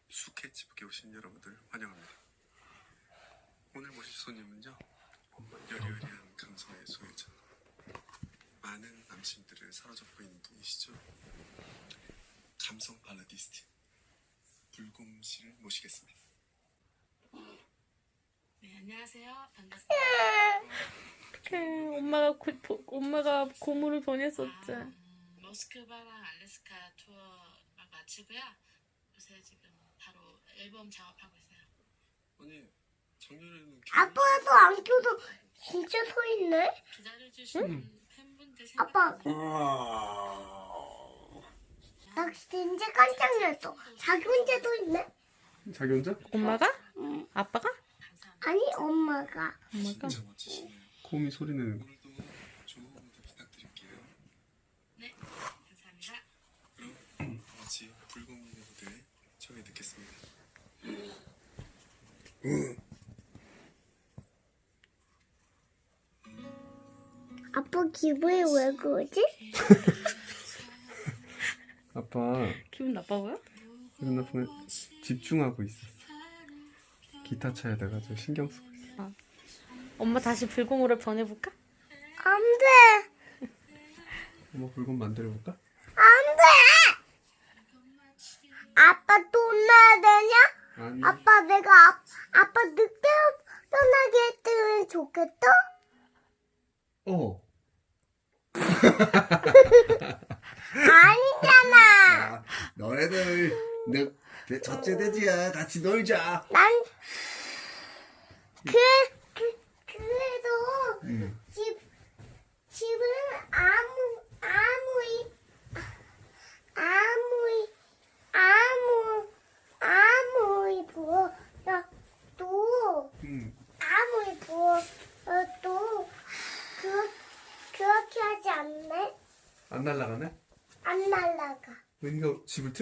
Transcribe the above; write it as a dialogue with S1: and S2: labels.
S1: 수캣집에 오신 여러분들 환영합니다. 오늘 모실 손님은요, 여리여리한 감성의 소유자, 많은 남친들을 사로잡고 있는 분이시죠. 감성 발라디스트 불곰 씨를 모시겠습니다.
S2: 네, 안녕하세요. 반갑습니다.
S3: 엄마가 고무를 보냈었지.
S2: 모스크바랑 알래스카 투어 마치고요. 요새 지금 바로 앨범 작업하고 있어요.
S1: 아니, 작년에는
S4: 아빠도 안 껴도 진짜 서 있네.
S2: 기다려주시는 팬분들
S4: 아빠.
S2: 생각하면
S4: 나 진짜 깜짝 놀랐어. 자기 혼자 서 있네.
S1: 자기 혼자?
S3: 엄마가?
S4: 응.
S3: 아빠가?
S4: 아니 엄마가.
S3: 엄마가?
S1: 진짜 멋지시네요.
S5: 곰이 소리 내는 거.
S1: 오늘도 좋은 무대 부탁드릴게요.
S2: 네, 감사합니다.
S1: 그럼 같이 불곰님의 무대 청해 듣겠습니다.
S4: 아빠 기분이 왜 그러지?
S5: 아빠
S3: 기분 나빠 보여?
S5: 기분 나쁘네. 집중하고 있었어. 기타 쳐야 돼가지고 신경 쓰고 있어.
S3: 엄마 다시 불공으로 변해볼까?
S4: 안 돼.
S5: 엄마 불곰 만들어볼까?
S4: 안 돼. 아빠 또 혼나야 되냐?
S5: 아니.
S4: 아빠 내가 아빠 늦게 떠나게 했으면 좋겠다. 아니잖아.
S6: 야, 너네들 내 첫째 돼지야. 같이 놀자.
S4: 난 그래도 집은 아무리 부어도 아무리 부어도 그렇게 하지 않네.
S5: 안 날라가네?
S4: 안 날라가.
S5: 은희가 집을